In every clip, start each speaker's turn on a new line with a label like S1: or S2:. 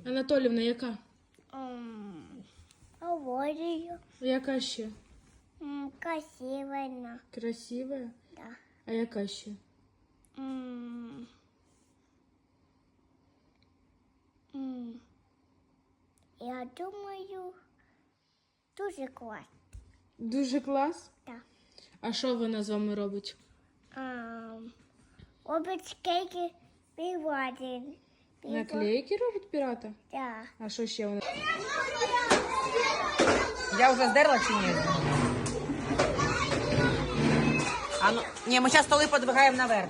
S1: Анатолівна, яка?
S2: Говорю.
S1: Яка ще?
S2: Красивая.
S1: Красива?
S2: Да.
S1: А яка ще?
S2: Я думаю, дуже клас.
S1: Дуже клас?
S2: Так.
S1: А що вона з вами робить?
S2: Робить кейки піввадин.
S1: Наклейки робить пірата?
S2: Так.
S1: А що ще вона?
S3: Я уже сдерла чи ні? А ну, ні, ми зараз столи подвигаємо наверх.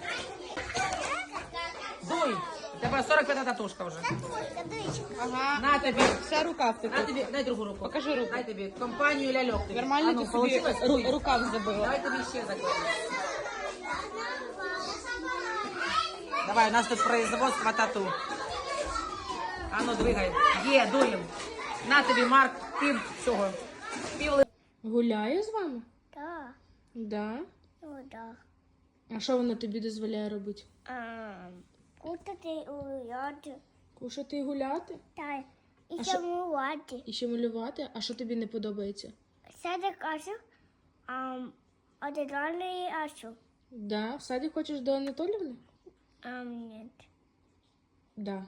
S3: Дуй! У тебе 45 татушка вже.
S1: Ага.
S3: На тобі.
S1: Вся рука в
S3: На тобі, дай другу руку.
S1: Покажи руку.
S3: Дай тобі компанію ляльок. Тобі.
S1: Нормально
S3: А ну,
S1: ти собі
S3: получилось? Дуй.
S1: рукав забила.
S3: Давай тобі ще закладемо. Давай, у нас тут производство тату. А ну, двигай. Є, дуємо. На тобі, Марк, пів цього.
S1: Гуляє з вами?
S2: Так.
S1: Да.
S2: Ну, так.
S1: А що вона тобі дозволяє робити?
S2: Кутати уяти.
S1: Кушати і гуляти?
S2: Так. І
S1: А
S2: ще
S1: що?
S2: мувати.
S1: І ще малювати? А що тобі не подобається?
S2: Сяде кашу. Одягали ашу.
S1: Да. В садик хочеш до Анатолівни?
S2: Ні.
S1: Да.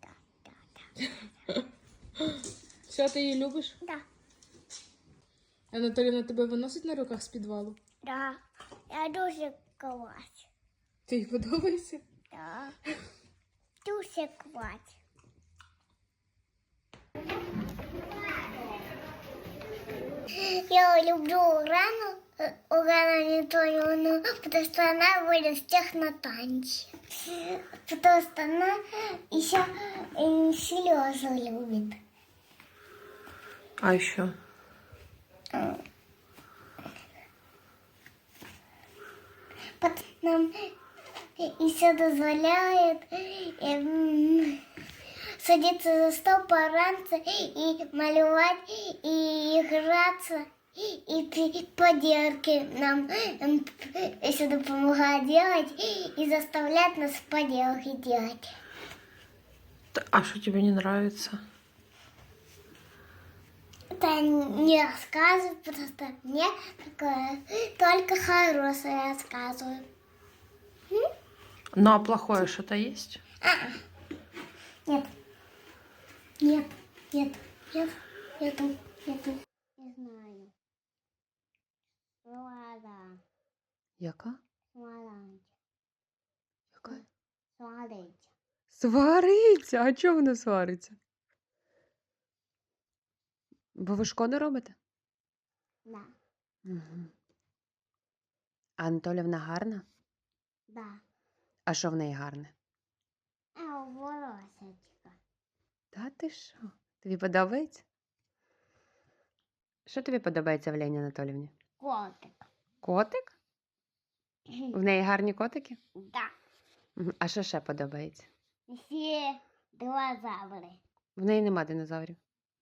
S2: Так.
S1: Все, ти її любиш?
S2: Да.
S1: Анатолівна тебе виносить на руках з підвалу?
S2: Да. Я дуже клас.
S1: Ти їй подобається?
S2: Да. Дуже клас. Я люблю Урану Анатольевну, потому что она будет всех на танце. Потому что она еще слезы любит.
S3: А еще?
S2: Нам еще дозволяет садиться за стол пораньше и малевать, и играться, и поделки нам еще помогает делать и заставляет нас поделки делать.
S3: А что тебе не нравится?
S2: Это не рассказываю, просто мне такое только хорошее рассказываю.
S3: Ну, а плохое что-то есть?
S2: Нет. Нет. Нет. Нет. Нету. Нету. Не знаю. Свара.
S3: Яка?
S2: Сварить.
S3: Яка?
S2: Сварить.
S3: Свариться? А чого вона свариться? Бо ви шкоду робите?
S2: Да.
S3: Угу. А Анатолівна гарна?
S2: Да.
S3: А що в неї гарне?
S2: Волосечка.
S3: Та ти що? Тобі подобається? Що тобі подобається в Лені Анатолівні?
S2: Котик.
S3: Котик? В неї гарні котики?
S2: Да.
S3: Мгм. А що ще подобається?
S2: Все динозаври.
S3: В неї нема динозаврів.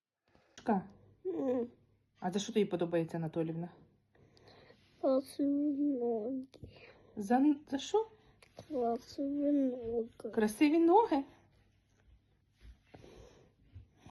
S1: А за що тобі подобається, Анатолівна?
S2: Красиві ноги.
S1: За що?
S2: Красиві ноги.
S1: Красиві ноги?